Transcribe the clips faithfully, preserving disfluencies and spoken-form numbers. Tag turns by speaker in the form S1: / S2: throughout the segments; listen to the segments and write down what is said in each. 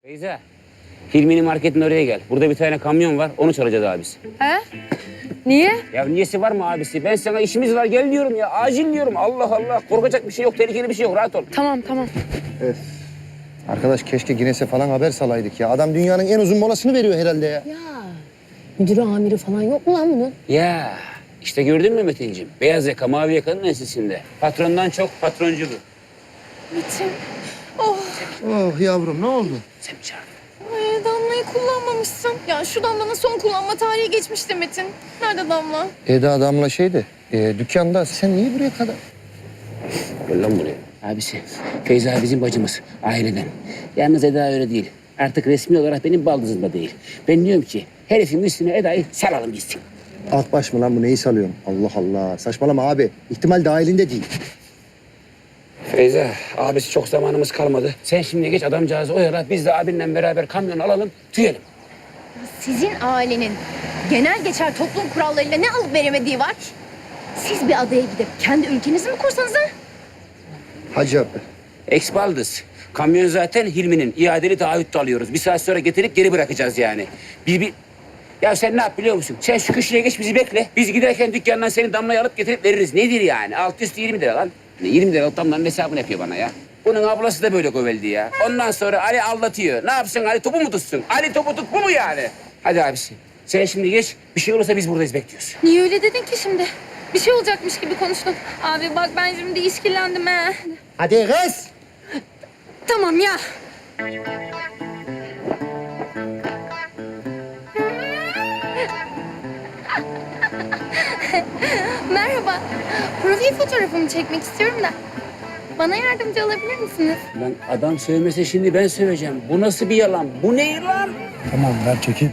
S1: Feyza, Hilmi'nin marketin oraya gel. Burada bir tane kamyon var, onu çalacağız abisi.
S2: He? Niye?
S1: Ya niyesi var mı abisi? Ben sana işimiz var gel diyorum ya, acil diyorum. Allah Allah, korkacak bir şey yok, tehlikeli bir şey yok, rahat ol.
S2: Tamam tamam.
S3: Evet. Arkadaş keşke Guinness'e falan haber salaydık ya. Adam dünyanın en uzun molasını veriyor herhalde ya.
S4: Ya müdürü amiri falan yok mu lan bunun?
S1: Ya işte gördün mü Metin'ciğim? Beyaz yaka, mavi yakanın ensesinde. Patrondan çok patroncu bu.
S2: Metin. Oh.
S3: Oh yavrum ne oldu?
S1: Sen mi çağırdın?
S2: Ay, Damla'yı kullanmamışsın. Ya şu Damla'nın son kullanma tarihi geçmişti Metin. Nerede Damla?
S3: Eda Damla şeydi. E, dükkanda. Sen niye buraya kadar?
S1: Gel lan buraya. Abisi, Feyza bizim bacımız, aileden. Yalnız Eda öyle değil. Artık resmi olarak benim baldızım da değil. Ben diyorum ki herifin üstüne Eda'yı salalım gitsin.
S3: Alt baş mı lan bu neyi salıyorsun? Allah Allah. Saçmalama abi. İhtimal dahilinde değil.
S1: Feyza, abisi çok zamanımız kalmadı. Sen şimdi geç adamcağızı oyala, biz de abinle beraber kamyon alalım, tüyelim.
S5: Sizin ailenin genel geçer toplum kurallarıyla ne alıp veremediği var? Siz bir adaya gidip kendi ülkenizi mi kursanız ha?
S3: Hacı abi.
S1: Ex-baldız. Kamyon zaten Hilmi'nin. İadeli taahhüt de alıyoruz. Bir saat sonra getirip geri bırakacağız yani. Bir, bir... Ya sen ne yap biliyor musun? Sen şu köşeye geç bizi bekle. Biz giderken dükkandan seni Damla'yı alıp getirip veririz. Nedir yani? Alt üstü yirmi lira lan. yirmi lira Damla'nın hesabını yapıyor bana ya. Bunun ablası da böyle göveldi ya. Ondan sonra Ali aldatıyor. Ne yapsın Ali topu mu tutsun? Ali topu tut bu mu yani? Hadi abisi. Sen şimdi geç. Bir şey olursa biz buradayız bekliyoruz.
S2: Niye öyle dedin ki şimdi? Bir şey olacakmış gibi konuştun. Abi bak ben şimdi işkillendim he.
S3: Hadi kız.
S2: Tamam ya. Merhaba. Profil fotoğrafımı çekmek istiyorum da. Bana yardımcı olabilir misiniz?
S1: Lan adam sövmese şimdi ben söveceğim. Bu nasıl bir yalan? Bu ne lan?
S3: Tamam ver çekeyim.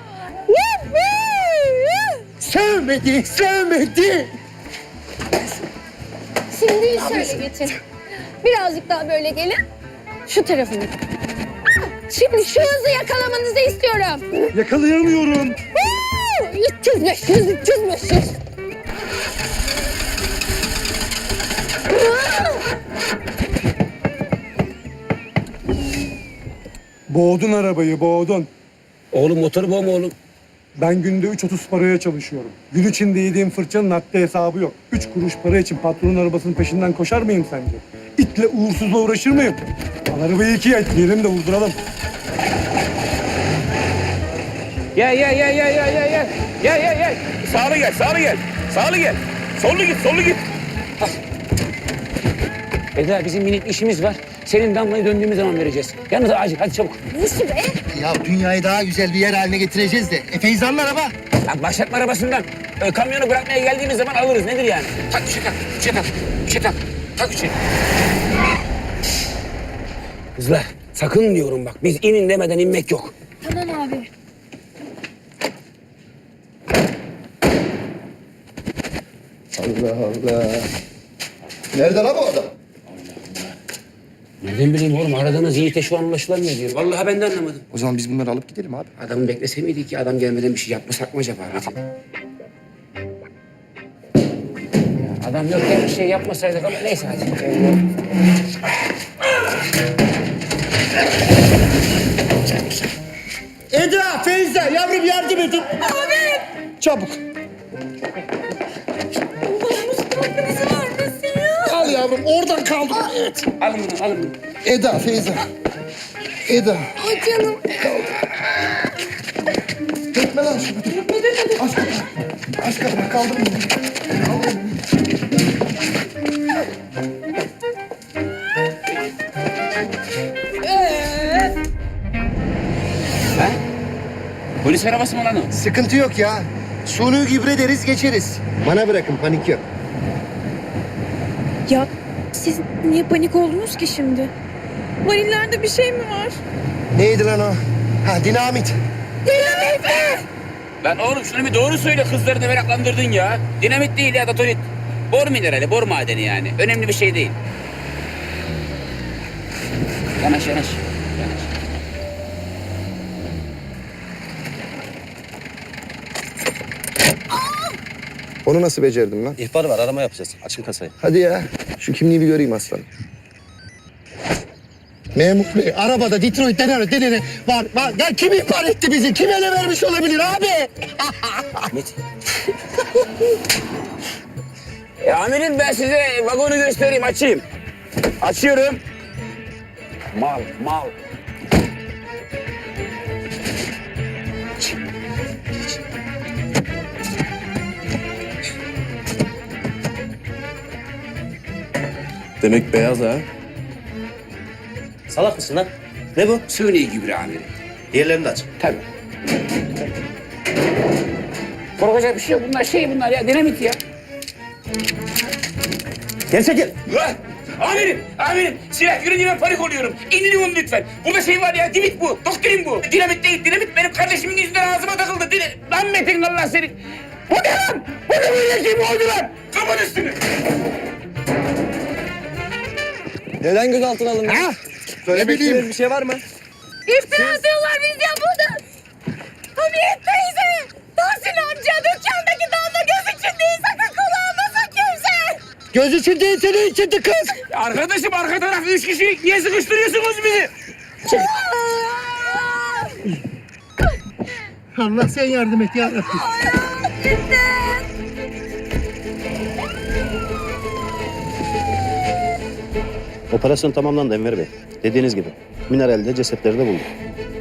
S3: Sevmedi, sevmedi.
S2: Şimdi şöyle geçin. Birazcık daha böyle gelin. Şu tarafını. Şimdi şu hızı yakalamanızı istiyorum.
S3: Yakalayamıyorum.
S2: üç yüz, beş yüz, üç yüz, beş yüz.
S6: Boğdun arabayı, boğdun.
S1: Oğlum motoru boğma oğlum.
S6: Ben günde üç otuz paraya çalışıyorum. Gün içinde yediğim fırçanın haddi hesabı yok. Üç kuruş para için patronun arabasının peşinden koşar mıyım sence? İtle uğursuzla uğraşır mıyım? Al arabayı ikiye etmeyelim de vurduralım.
S1: Gel gel gel gel gel gel gel. Gel gel gel. Sağlı gel, sağlı gel. Sağlı gel. Sollu git, sollu git. Al. Eda bizim minik işimiz var. Senin Damla'yı döndüğümüz zaman vereceğiz. Yalnız acil hadi çabuk.
S2: Ne işi be?
S3: Ya dünyayı daha güzel bir yer haline getireceğiz de. E Feyza'nın araba.
S1: Lan başlatma arabasından. Ee, kamyonu bırakmaya geldiğimiz zaman alırız. Nedir yani? Tak bir şey tak, bir şey tak, bir şey tak. Tak bir şey. Kızlar sakın diyorum bak. Biz inin demeden inmek yok.
S2: Tamam abi.
S3: Allah Allah. Nerede lan bu adam?
S1: Nereden bileyim oğlum? Aradığınız Yiğit'e şu an ulaşılamıyor diyor. Vallahi ben de anlamadım.
S3: O zaman biz bunları alıp gidelim abi.
S1: Adamı beklese miydik ki adam gelmeden bir şey yapmasak mı acaba? Metin? Ya adam yokken bir şey yapmasaydık ama neyse hadi.
S3: Eda, Feyza, yavrum yardım edin. Abi. Çabuk.
S2: Hakkınızı vermesin ya.
S3: Al yavrum, oradan kaldım. Evet.
S1: Alın bunu, alın bunu.
S3: Eda, Feyza. Eda.
S2: Ay canım.
S3: Dökme lan şunu. Aç kapıyı. Aç kapıyı, kaldım.
S1: Ha? Polis arabası mı lan o?
S3: Sıkıntı yok ya. Suni gübre deriz, geçeriz. Bana bırakın, panik yok.
S2: Ya siz niye panik oldunuz ki şimdi? Varillerde bir şey mi var?
S3: Neydi lan o? Ha, dinamit.
S2: Dinamit mi?
S1: Lan oğlum şunu bir doğru söyle, kızlarını meraklandırdın ya. Dinamit değil ya, datorit. Bor minerali, bor madeni yani. Önemli bir şey değil. Yanaş, yanaş. Yanaş.
S3: Onu nasıl becerdin lan?
S7: İhbar var, arama yapacağız. Açın kasayı.
S3: Hadi ya. Şu kimliği bir göreyim aslanım. Memur bey, arabada Detroit denene denene var, var. Ya kim ihbar etti bizi? Kim ele vermiş olabilir abi?
S1: Metin. E, amirim ben size vagonu göstereyim, açayım. Açıyorum. Mal, mal.
S7: Demek beyaz ha.
S8: Salak mısın lan? Ne bu?
S1: Suni gübre amirim.
S8: Diğerlerini de aç.
S1: Tabii. Korkacak bir şey yok. Bunlar şey bunlar ya, dinamit ya.
S8: Gel çekil.
S1: Ulan! Amirim, amirim. Silah görünce ben panik oluyorum. İndirin onu lütfen. Burada şey var ya, dimit bu. Doktrin bu. Dinamit değil, dinamit benim kardeşimin yüzünden ağzıma takıldı. Dine... Lan Metin Allah seni. Bu ne lan? Bu ne böyle şey mi oldu lan? Kapat üstünü.
S7: Neden gözaltına alındın?
S3: Ha?
S7: Söylemek
S3: bileyim.
S7: istediğiniz bir şey var mı?
S2: İftira atıyorlar biz ya burada. Hamiyet teyze, Tahsin amca dükkandaki damla göz için değil, sakın kulağımasın kimse.
S3: Göz için değil, senin içindi kız.
S1: Arkadaşım arka tarafta üç kişi. Niye sıkıştırıyorsunuz bizi?
S3: Allah sen yardım et ya Rabbi.
S8: Operasyon tamamlandı Enver Bey. Dediğiniz gibi. Mineralde cesetleri de bulduk.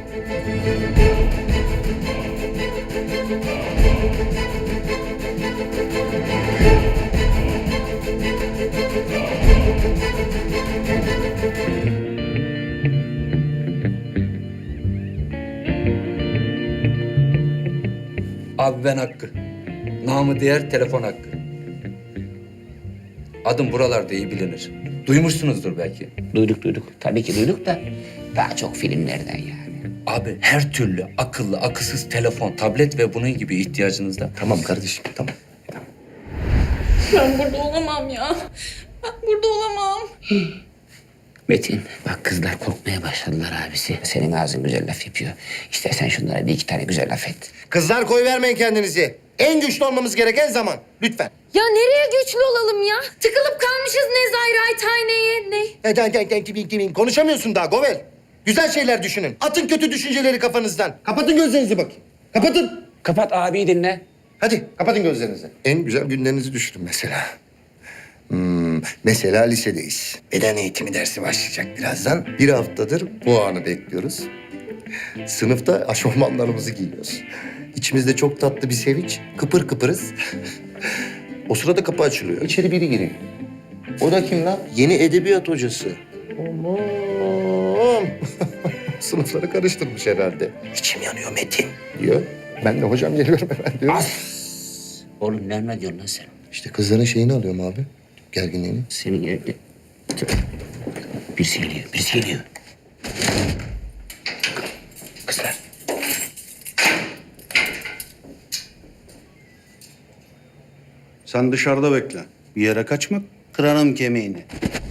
S9: Abi ben Hakkı. Namı diğer telefon Hakkı. Adım buralarda iyi bilinir. Duymuşsunuzdur belki.
S1: Duyduk duyduk. Tabii ki duyduk da daha çok filmlerden yani.
S9: Abi her türlü akıllı, akılsız telefon, tablet ve bunun gibi ihtiyacınızda.
S3: Tamam kardeşim, tamam.
S2: Ben burada olamam ya. Ben burada olamam.
S1: Metin bak kızlar korkmaya başladılar abisi. Senin ağzın güzel laf yapıyor. İstersen şunlara bir iki tane güzel laf et.
S3: Kızlar koy vermeyin kendinizi. En güçlü olmamız gereken zaman. Lütfen.
S2: Ya nereye güçlü olalım ya? Tıkılıp kalmışız Nezairathane'ye. Ne?
S3: E, den, den, den, timin, timin. Konuşamıyorsun daha Govel. Güzel şeyler düşünün. Atın kötü düşünceleri kafanızdan. Kapatın gözlerinizi bakayım. Kapatın.
S1: Kapat abiyi dinle.
S3: Hadi kapatın gözlerinizi. En güzel günlerinizi düşünün mesela. Hmm, mesela lisedeyiz. Beden eğitimi dersi başlayacak birazdan. Bir haftadır bu anı bekliyoruz. Sınıfta aşofmanlarımızı giyiyoruz. İçimizde çok tatlı bir sevinç. Kıpır kıpırız. O sırada kapı açılıyor. İçeri biri giriyor. O da kim lan? Yeni edebiyat hocası. Aman. Sınıfları karıştırmış herhalde. İçim yanıyor Metin diyor. Ben de hocam geliyorum hemen diyorum.
S1: As! Oğlum ne diyorsun lan sen?
S3: İşte kızların şeyini alıyorum abi. Gerginliğini.
S1: Senin evde... Birisi geliyor, birisi geliyor. Kızlar.
S10: Sen dışarıda bekle. Bir yere kaçma, kırarım kemiğini.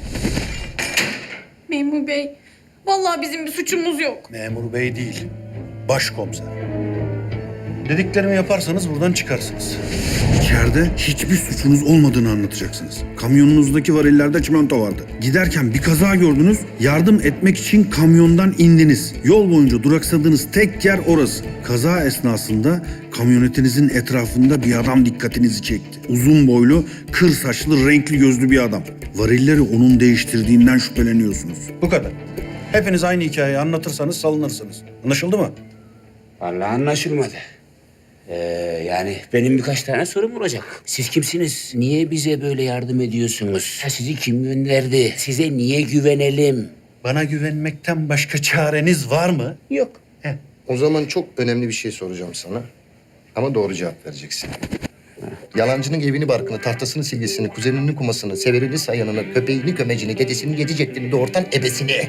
S2: Memur Bey, vallahi bizim bir suçumuz yok.
S10: Memur bey değil, başkomiser. Dediklerimi yaparsanız buradan çıkarsınız. İçeride hiçbir suçunuz olmadığını anlatacaksınız. Kamyonunuzdaki varillerde çimento vardı. Giderken bir kaza gördünüz, yardım etmek için kamyondan indiniz. Yol boyunca duraksadığınız tek yer orası. Kaza esnasında kamyonetinizin etrafında bir adam dikkatinizi çekti. Uzun boylu, kır saçlı, renkli gözlü bir adam. Varilleri onun değiştirdiğinden şüpheleniyorsunuz. Bu kadar. Hepiniz aynı hikayeyi anlatırsanız salınırsınız. Anlaşıldı mı?
S1: Vallahi anlaşılmadı. Ee, yani benim birkaç tane sorum olacak. Siz kimsiniz? Niye bize böyle yardım ediyorsunuz? Ha, sizi kim gönderdi? Size niye güvenelim?
S10: Bana güvenmekten başka çareniz var mı?
S1: Yok.
S10: Heh.
S3: O zaman çok önemli bir şey soracağım sana. Ama doğru cevap vereceksin. Yalancının evini barkını, tahtasını silgisini, kuzeninin kumasını, severini sayanını, köpeğini kömecini, dedesinin yedi ceddini, doğurtan ebesini.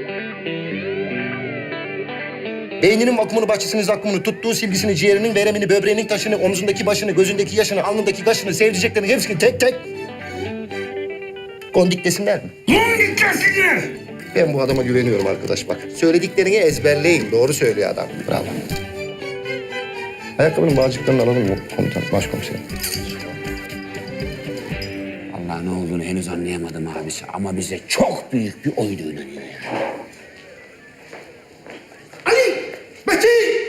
S3: Beyninin vakumunu, bahçesinin zakkumunu, tuttuğu silgisini, ciğerinin veremini, böbreğinin taşını, omzundaki başını, gözündeki yaşını, alnındaki kaşını, sevdiceklerini hepsini tek tek... Kondik desinler mi?
S1: Kondik desinler!
S3: Ben bu adama güveniyorum arkadaş bak. Söylediklerini ezberleyin. Doğru söylüyor adam. Bravo. Ayakkabının bağcıklarını alalım mı komutan, başkomiserim?
S1: Allah ne olduğunu henüz anlayamadım abisi ama bize çok büyük bir oydu inanıyor yani.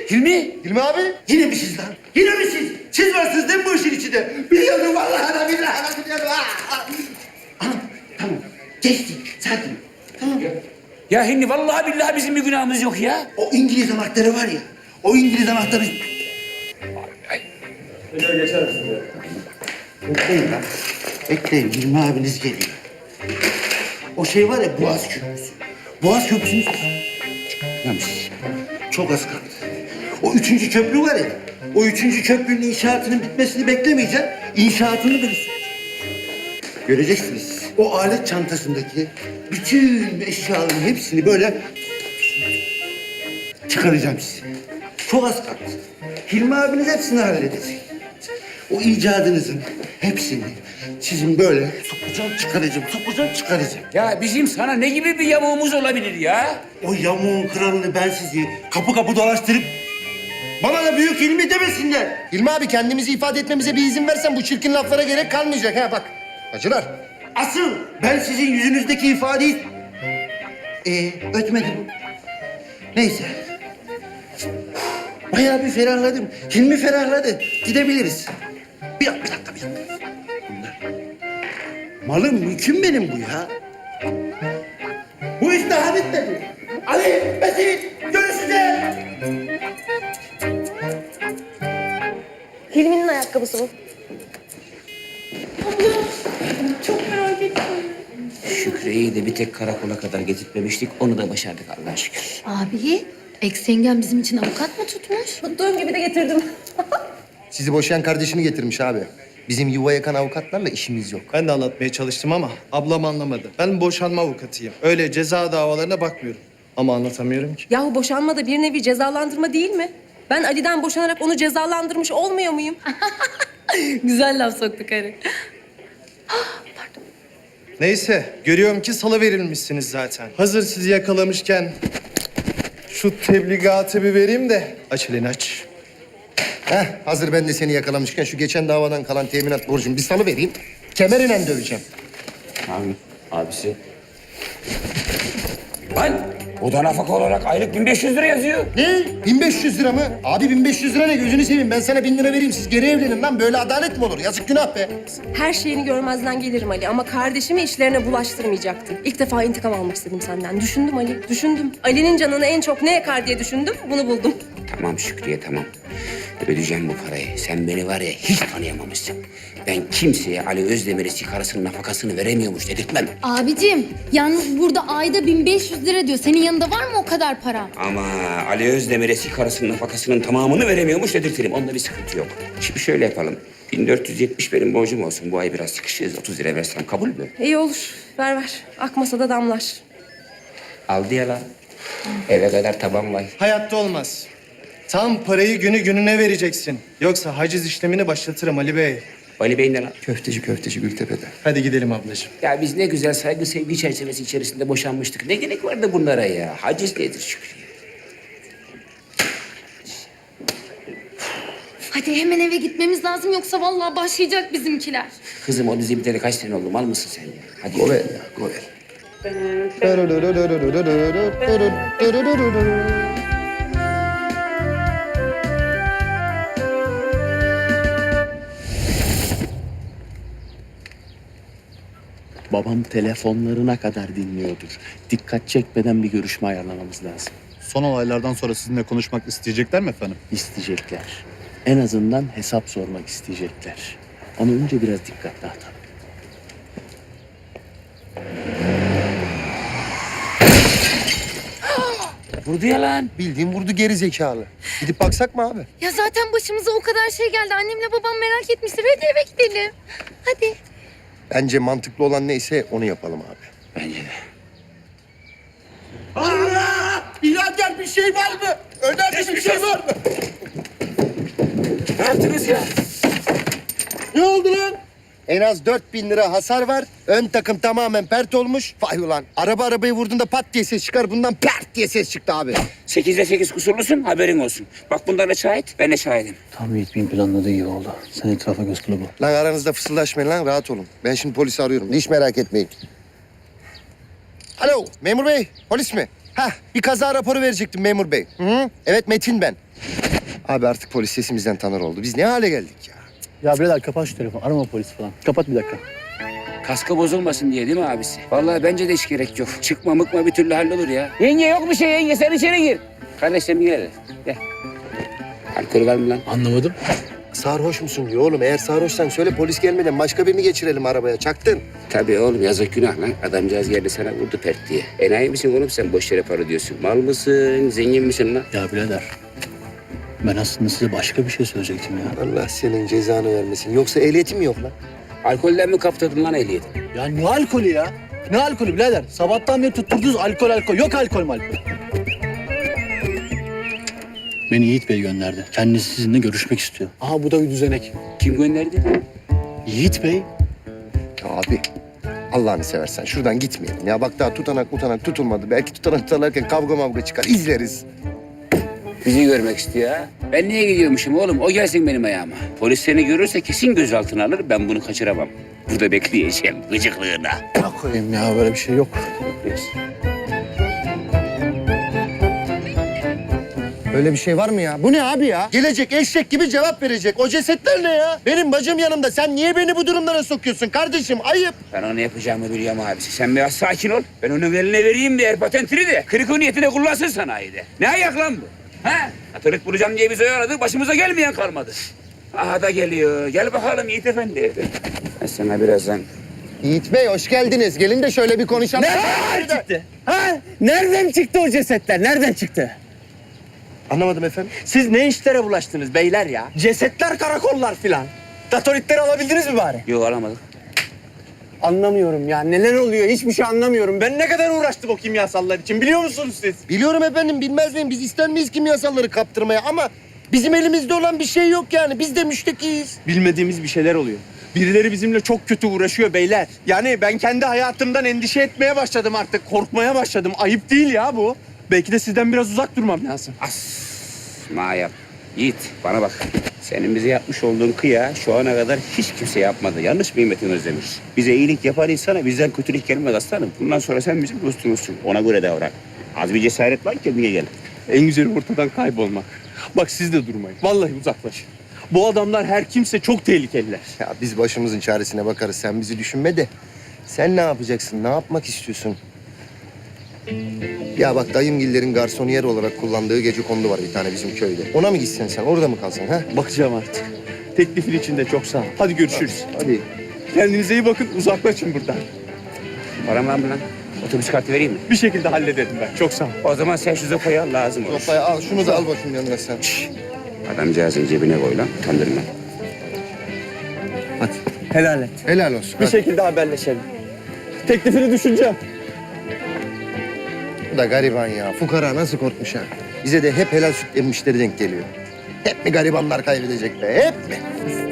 S1: Hilmi?
S3: Hilmi abi.
S11: Yine mi siz lan? Yine mi siz? Siz varsınız değil mi bu işin içinde? Biliyordum vallahi da billahi da biliyordum. Ah, ah. Anam, tamam. Geçti. Sakin. Tamam.
S1: Ya Hilmi vallahi billahi bizim bir günahımız yok ya.
S11: O İngiliz anahtarı var ya. O İngiliz anahtarı... Bekleyin lan. Bekleyin. Hilmi abiniz geliyor. O şey var ya Boğaz Köprüsü. Boğaz Köprüsü'nü
S1: Yanlış.
S11: çok az kaldı. O üçüncü köprü var ya. O üçüncü köprünün inşaatının bitmesini beklemeyeceğim. İnşaatını da göreceksiniz. O alet çantasındaki bütün eşyaların hepsini böyle çıkaracağım size. Çok az kaldı. Hilmi abiniz hepsini halledecek. O icadınızın hepsini sizin böyle sokacağım, çıkaracağım, sokacağım, çıkaracağım.
S1: Ya bizim sana ne gibi bir yamuğumuz olabilir ya?
S11: O yamuğun kralını ben sizi kapı kapı dolaştırıp bana da büyük Hilmi demesinler.
S3: Hilmi abi kendimizi ifade etmemize bir izin versen bu çirkin laflara gerek kalmayacak ha bak. Hacılar.
S11: Asıl ben sizin yüzünüzdeki ifadeyi... Ee, ötmedim. Neyse. Bayağı bir ferahladım. Hilmi ferahladı. Gidebiliriz. Bir dakika, bir dakika, bir dakika. Bunlar. Malım, mülküm benim bu ya. Bu iş daha bitmedi. Ali, Metin, görüşeceğiz.
S4: Hilmi'nin ayakkabısı bu.
S1: Şükrü'yü de bir tek karakola kadar getirtmemiştik. Onu da başardık Allah'a şükür.
S5: Abi, ex yengem bizim için avukat mı tutmuş?
S4: Tuttuğum gibi de getirdim.
S3: Sizi boşayan kardeşini getirmiş abi. Bizim yuva yakan avukatlarla işimiz yok.
S7: Ben de anlatmaya çalıştım ama ablam anlamadı. Ben boşanma avukatıyım. Öyle ceza davalarına bakmıyorum. Ama anlatamıyorum ki.
S2: Yahu boşanma da bir nevi cezalandırma değil mi? Ben Ali'den boşanarak onu cezalandırmış olmuyor muyum? Güzel laf soktu karı.
S7: Neyse, görüyorum ki salı verilmişsiniz zaten. Hazır sizi yakalamışken şu tebligatı bir vereyim de aç elini aç.
S3: Heh, hazır ben de seni yakalamışken şu geçen davadan kalan teminat borcumu bir salı vereyim. Kemerine döveceğim.
S1: Abi, abisi. Lan o da nafaka olarak aylık bin beş yüz lira yazıyor.
S3: Ne? bin beş yüz lira mı? Abi bin beş yüz lira ne? Gözünü seveyim. Ben sana bin lira vereyim. Siz geri evlenin lan. Böyle adalet mi olur? Yazık günah be.
S2: Her şeyini görmezden gelirim Ali ama kardeşimi işlerine bulaştırmayacaktım. İlk defa intikam almak istedim senden. Düşündüm Ali, düşündüm. Ali'nin canını en çok ne yakar diye düşündüm, bunu buldum.
S1: Tamam Şükrü'ye tamam. Ödeyeceğim bu parayı. Sen beni var ya hiç tanıyamamışsın. Ben kimseye Ali Özdemir'e sigarasının nafakasını veremiyormuş dedirtmem.
S5: Abicim, yalnız burada ayda bin beş yüz lira diyor. Senin yanında var mı o kadar para?
S1: Ama Ali Özdemir'e sigarasının nafakasının tamamını veremiyormuş dedirtirim. Onda bir sıkıntı yok. Şimdi şöyle yapalım. bin dört yüz yetmiş benim borcum olsun. Bu ay biraz sıkışırız. otuz lira versem kabul mü?
S2: İyi olur, ver ver. Akmasa da damlar.
S1: Aldı ya lan. Eve kadar taban var.
S7: Hayatta olmaz. Tam parayı günü gününe vereceksin. Yoksa haciz işlemini başlatırım Ali Bey.
S1: Ali Bey'in de lan.
S3: Köfteci köfteci Gültepe'de.
S7: Hadi gidelim ablacığım.
S1: Ya biz ne güzel saygı sevgi çerçevesi içerisinde boşanmıştık. Ne gerek vardı bunlara ya? Haciz nedir Şükrü?
S5: Hadi hemen eve gitmemiz lazım yoksa vallahi başlayacak bizimkiler.
S1: Kızım o dizi biteli kaç sene oldu? Mal mısın sen ya? Hadi.
S3: Govel ya, govel.
S8: Babam telefonlarına kadar dinliyordur. Dikkat çekmeden bir görüşme ayarlamamız lazım.
S10: Son olaylardan sonra sizinle konuşmak isteyecekler mi efendim?
S8: İsteyecekler. En azından hesap sormak isteyecekler. Ama önce biraz dikkat dağıtalım.
S1: Vurdu ya lan.
S3: Bildiğin vurdu geri zekalı. Gidip baksak mı abi?
S5: Ya zaten başımıza o kadar şey geldi. Annemle babam merak etmiştir. Hadi eve gidelim. Hadi.
S3: Bence mantıklı olan neyse onu yapalım abi.
S1: Bence de.
S11: Allah! İlader bir şey var mı? Önemli bir şey var mı?
S1: Ne yaptınız ya?
S3: Ne oldu lan? En az dört bin lira hasar var. Ön takım tamamen pert olmuş. Vay ulan. Araba arabayı vurduğunda pat diye ses çıkar. Bundan pert diye ses çıktı abi.
S1: Sekizde sekiz kusurlusun haberin olsun. Bak bunlar da şahit, ben de şahidim.
S8: Tam Yiğit'in planladığı gibi oldu. Sen etrafa göz kılıbı.
S3: Lan aranızda fısıldaşmayın lan. Rahat olun. Ben şimdi polisi arıyorum. Hiç merak etmeyin. Alo memur bey. Polis mi? Hah bir kaza raporu verecektim memur bey. Hı hı. Evet Metin ben. Abi artık polis sesimizden tanır oldu. Biz ne hale geldik ya?
S8: Ya birader kapat şu telefonu. Arama polis falan. Kapat bir dakika.
S1: Kaskı bozulmasın diye değil mi abisi? Vallahi bence de hiç gerek yok. Çıkma mıkma bir türlü hallolur ya. Yenge yok bir şey yenge sen içeri gir. Kardeşlerim gel hele. Gel. Alkol var mı lan?
S8: Anlamadım.
S3: Sarhoş musun diyor oğlum. Eğer sarhoşsan söyle polis gelmeden başka birini geçirelim arabaya. Çaktın.
S1: Tabii oğlum yazık günah lan. Adamcağız geldi sana vurdu pert diye. Enayi misin oğlum sen boş yere para diyorsun. Mal mısın? Zengin misin lan?
S8: Ya birader. Ben aslında size başka bir şey söyleyecektim ya.
S3: Allah senin cezanı vermesin. Yoksa ehliyetin mi yok lan?
S1: Alkolden mi kaptırdın lan ehliyeti?
S8: Ya ne alkolü ya? Ne alkolü birader? Sabahtan beri tutturdunuz alkol alkol. Yok alkol malkol. Beni Yiğit Bey gönderdi. Kendisi sizinle görüşmek istiyor. Aha bu da bir düzenek.
S1: Kim gönderdi?
S8: Yiğit Bey.
S3: Ya abi Allah'ını seversen şuradan gitmeyelim. Ya bak daha tutanak mutanak tutulmadı. Belki tutanak tutarlarken kavga mavga çıkar. İzleriz.
S1: Bizi görmek istiyor ha. Ben niye gidiyormuşum oğlum? O gelsin benim ayağıma. Polis seni görürse kesin gözaltına alır. Ben bunu kaçıramam. Burada bekleyeceğim gıcıklığına.
S8: Ne koyayım ya böyle bir şey yok.
S3: Öyle bir şey var mı ya? Bu ne abi ya? Gelecek eşek gibi cevap verecek. O cesetler ne ya? Benim bacım yanımda. Sen niye beni bu durumlara sokuyorsun kardeşim? Ayıp.
S1: Ben onu yapacağımı biliyorum abisi. Sen biraz sakin ol. Ben onun eline vereyim bir yer patentini de. Kırık o niyetine kullansın sanayide. Ne ayak lan bu? Ha? Atırık bulacağım diye bizi oyaladı. Başımıza gelmeyen kalmadı. Aha da geliyor. Gel bakalım Yiğit Efendi. Ben sana birazdan...
S3: Yiğit Bey hoş geldiniz. Gelin de şöyle bir konuşalım.
S8: Nereden çıktı? Ha? Nereden çıktı o cesetler? Nereden çıktı?
S3: Anlamadım efendim.
S8: Siz ne işlere bulaştınız beyler ya? Cesetler, karakollar filan. Datoritleri alabildiniz mi bari?
S1: Yok alamadık.
S8: Anlamıyorum ya. Neler oluyor? Hiçbir şey anlamıyorum. Ben ne kadar uğraştım o kimyasallar için biliyor musunuz siz?
S3: Biliyorum efendim, bilmez miyim? Biz ister miyiz kimyasalları kaptırmaya ama bizim elimizde olan bir şey yok yani. Biz de müştekiyiz.
S7: Bilmediğimiz bir şeyler oluyor. Birileri bizimle çok kötü uğraşıyor beyler. Yani ben kendi hayatımdan endişe etmeye başladım artık. Korkmaya başladım. Ayıp değil ya bu. Belki de sizden biraz uzak durmam lazım.
S1: As. Ma yap. Yiğit bana bak. Senin bize yapmış olduğun kıya şu ana kadar hiç kimse yapmadı. Yanlış mıyım Metin Özdemir? Bize iyilik yapan insana bizden kötülük gelmez aslanım. Bundan sonra sen bizim dostumuzsun. Ona göre davran. Az bir cesaret var, kendine gel.
S7: En güzeli ortadan kaybolmak. Bak siz de durmayın. Vallahi uzaklaşın. Bu adamlar her kimse çok tehlikeliler.
S3: Ya biz başımızın çaresine bakarız. Sen bizi düşünme de. Sen ne yapacaksın? Ne yapmak istiyorsun? Ya bak dayımgillerin garsoniyer olarak kullandığı gecekondu var bir tane bizim köyde. Ona mı gitsen sen? Orada mı kalsan ha?
S7: Bakacağım artık. Teklifin için de çok sağ ol. Hadi görüşürüz.
S3: Hadi.
S7: Kendinize iyi bakın. Uzaklaşın buradan.
S1: Param var mı lan? Otobüs kartı vereyim mi?
S7: Bir şekilde hallederim ben. Çok sağ ol.
S1: O zaman sen şu zopayı al, lazım olur.
S3: Sopayı al. Şunu da al bakayım yanına sen.
S1: Adamcağızın cebine koy lan, kandırma.
S3: Hadi.
S7: Helal et.
S3: Helal olsun.
S7: Bir
S3: hadi.
S7: şekilde haberleşelim. Teklifini düşüneceğim.
S3: Bu da gariban ya. Fukara nasıl korkmuş ha? Bize de hep helal süt emmişleri denk geliyor. Hep mi garibanlar kaybedecek be? Hep mi?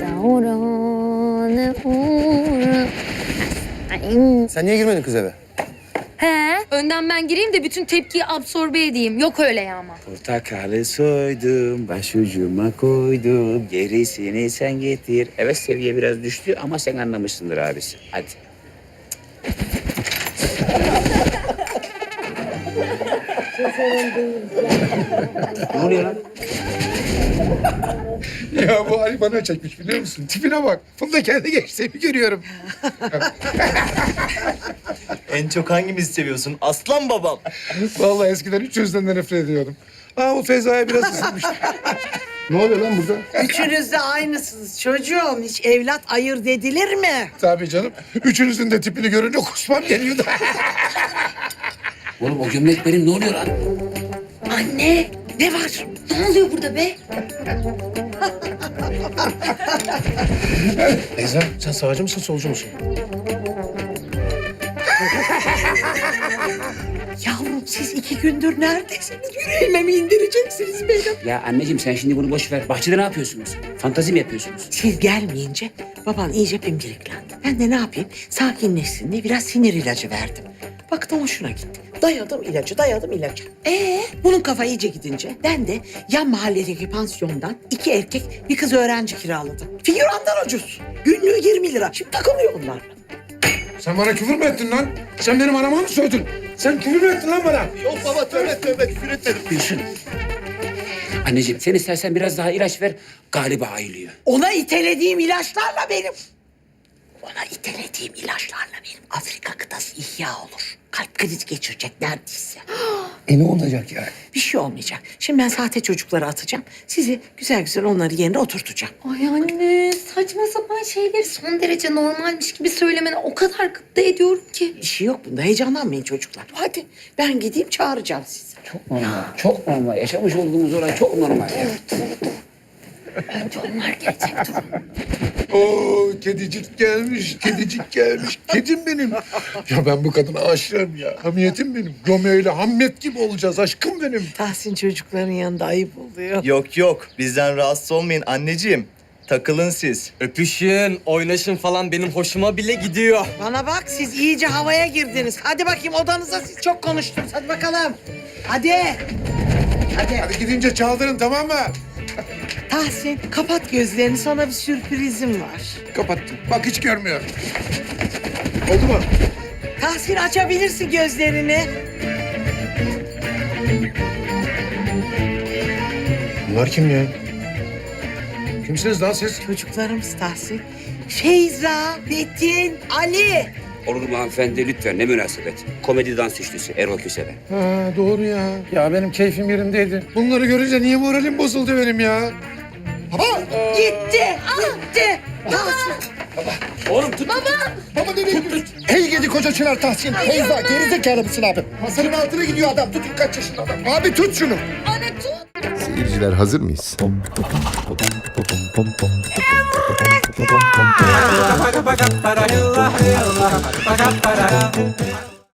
S3: Sen niye girmedin kız eve?
S2: He, önden ben gireyim de bütün tepkiyi absorbe edeyim. Yok öyle ya ama.
S1: Portakalı soydum, başucuma koydum. Gerisini sen getir. Evet seviye biraz düştü ama sen anlamışsındır abisi. Hadi. Ne oluyor lan?
S11: Ya bu Ali bana çekmiş biliyor musun? Tipine bak. Bunda kendi gençliğimi görüyorum.
S7: En çok hangimizi seviyorsun? Aslan babam.
S11: Vallahi eskiden üç yüzden de nefret ediyordum. Aa bu Feza'ya biraz ısınmıştı. Ne oluyor lan burada?
S12: Üçünüz de aynısınız çocuğum. Hiç evlat ayırt edilir mi?
S11: Tabii canım. Üçünüzün de tipini görünce kusmam geliyordu.
S1: Oğlum o gömlek benim, ne oluyor lan?
S2: Anne, ne var? Ne oluyor burada be?
S11: Feyza sen sağcı mısın solcu musun?
S12: Yavrum siz iki gündür neredesiniz? Yüreğime mi indireceksiniz benim?
S1: Ya anneciğim sen şimdi bunu boş ver. Bahçede ne yapıyorsunuz? Fantazi mi yapıyorsunuz?
S12: Siz gelmeyince baban iyice pimpiriklendi. Ben de ne yapayım? Sakinleşsin diye biraz sinir ilacı verdim. Baktım hoşuna gitti. Dayadım ilacı, dayadım ilacı. Ee, bunun kafa iyice gidince ben de yan mahalledeki pansiyondan iki erkek bir kız öğrenci kiraladım. Figürandan ucuz. Günlüğü yirmi lira. Şimdi takılıyor onlarla.
S11: Sen bana küfür mü ettin lan? Sen benim anama mı sövdün? Sen küfür mü ettin lan bana?
S3: Yok baba tövbe tövbe küfür etmedim.
S1: Gülsün. Anneciğim sen istersen biraz daha ilaç ver. Galiba ayılıyor.
S12: Ona itelediğim ilaçlarla benim... Ona itelediğim ilaçlarla benim Afrika kıtası ihya olur. Kalp krizi geçirecek neredeyse.
S3: E ne olacak yani?
S12: Bir şey olmayacak. Şimdi ben sahte çocukları atacağım. Sizi güzel güzel onları yerine oturtacağım.
S2: Ay anne saçma sapan şeyleri son derece normalmiş gibi söylemene o kadar gıpta ediyorum ki.
S12: Bir şey yok bunda. Heyecanlanmayın çocuklar. Hadi ben gideyim çağıracağım sizi.
S1: Çok normal, çok normal. Yaşamış olduğumuz olay çok normal ya.
S2: Bence onlar gerçek durum.
S13: Oo, kedicik gelmiş, kedicik gelmiş. Kedim benim. Ya ben bu kadına aşığım ya. Hamiyetim benim. Romeo ile Hamlet gibi olacağız aşkım benim.
S12: Tahsin çocukların yanında ayıp oluyor.
S8: Yok yok bizden rahatsız olmayın anneciğim. Takılın siz.
S7: Öpüşün, oynaşın falan benim hoşuma bile gidiyor.
S12: Bana bak siz iyice havaya girdiniz. Hadi bakayım odanıza siz çok konuştunuz. Hadi bakalım. Hadi. Hadi.
S13: Hadi gidince çaldırın tamam mı?
S12: Tahsin kapat gözlerini sana bir sürprizim var.
S13: Kapattım. Bak hiç görmüyor. Oldu mu?
S12: Tahsin açabilirsin gözlerini.
S13: Bunlar kim ya? Kimsiniz lan siz?
S12: Çocuklarımız Tahsin. Feyza, Metin, Ali.
S1: Olur mu hanımefendi lütfen ne münasebet. Komedi dans üçlüsü Erol Köse'den.
S13: Ha doğru ya. Ya benim keyfim yerindeydi. Bunları görünce niye moralim bozuldu benim ya? Baba!
S12: Gitti, gitti. Tahsin.
S1: Oğlum tut.
S3: Baba nereye gidiyorsun? Hey gidi koca çınar Tahsin. Feyza gerizekalı mısın abi? Masanın altına gidiyor adam. Tutun kaç yaşında adam. Abi tut şunu.
S2: Anne tut.
S3: Seyirciler hazır mıyız?
S11: Baka baka para yallah yallah. Baka para.